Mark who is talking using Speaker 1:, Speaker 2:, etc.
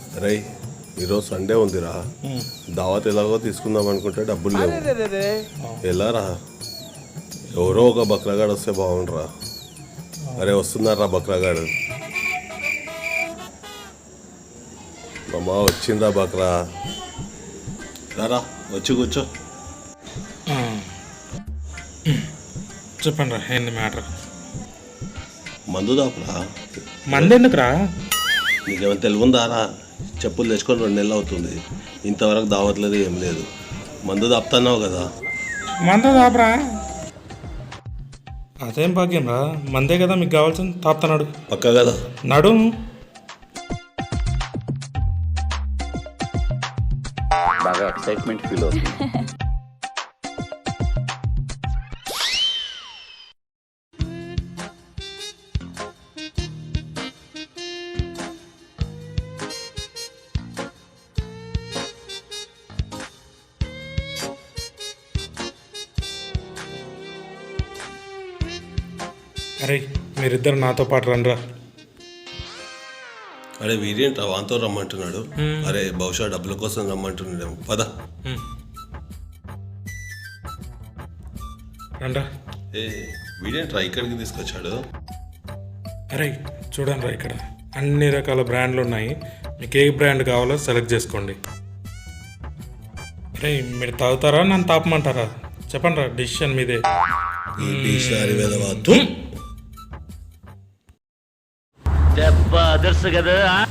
Speaker 1: రై ఈరోజు సండే ఉందిరా, దావత్ ఎలాగో తీసుకుందాం అనుకుంటే డబ్బులు లేవు. ఎలారా? ఎవరో ఒక బక్రాగాడు వస్తే బాగుండరా. అరే వస్తున్నారా బక్రాగాడు? అమ్మా వచ్చిందా బక్రా? రారా వచ్చి కూర్చో.
Speaker 2: చెప్పండి రా, ఏంది మ్యాటర్?
Speaker 1: మందు దాపురా.
Speaker 2: మంది ఎందుకురా?
Speaker 1: నీకేమైనా తెలుగుందారా? చెప్పులు తెచ్చుకొని 2 నెలలు అవుతుంది, ఇంతవరకు దావట్లేదు, ఏం లేదు. మందు దాపుతున్నావు కదా.
Speaker 2: మంద దాపరా? అదేం భాగ్యం రా, మందే కదా మీకు కావాల్సింది, తాపుతున్నాడు.
Speaker 1: పక్క కదా?
Speaker 2: నడు.
Speaker 3: బాగా ఎక్సైట్మెంట్ ఫీల్ అవుతుంది.
Speaker 2: అరే మీరిద్దరు నాతో పాటు రండిరా.
Speaker 1: అరే వీడేంట్రా వాంతో రమ్మంటున్నాడు? అరే బహుశా డబ్బుల కోసం రమ్మంటున్నాడేమో. పద.
Speaker 2: రండ్రా.
Speaker 1: ఏ వీడేంట్రా ఇక్కడికి తీసుకొచ్చాడు?
Speaker 2: అరే చూడండి రా, ఇక్కడ అన్ని రకాల బ్రాండ్లు ఉన్నాయి, మీకు ఏ బ్రాండ్ కావాలో సెలెక్ట్ చేసుకోండి. అరే మీరు తాగుతారా నన్ను తాపమంటారా? చెప్పండి రా, డిసిషన్ మీదే.
Speaker 3: దెబ్బ అదర్స్ కదా.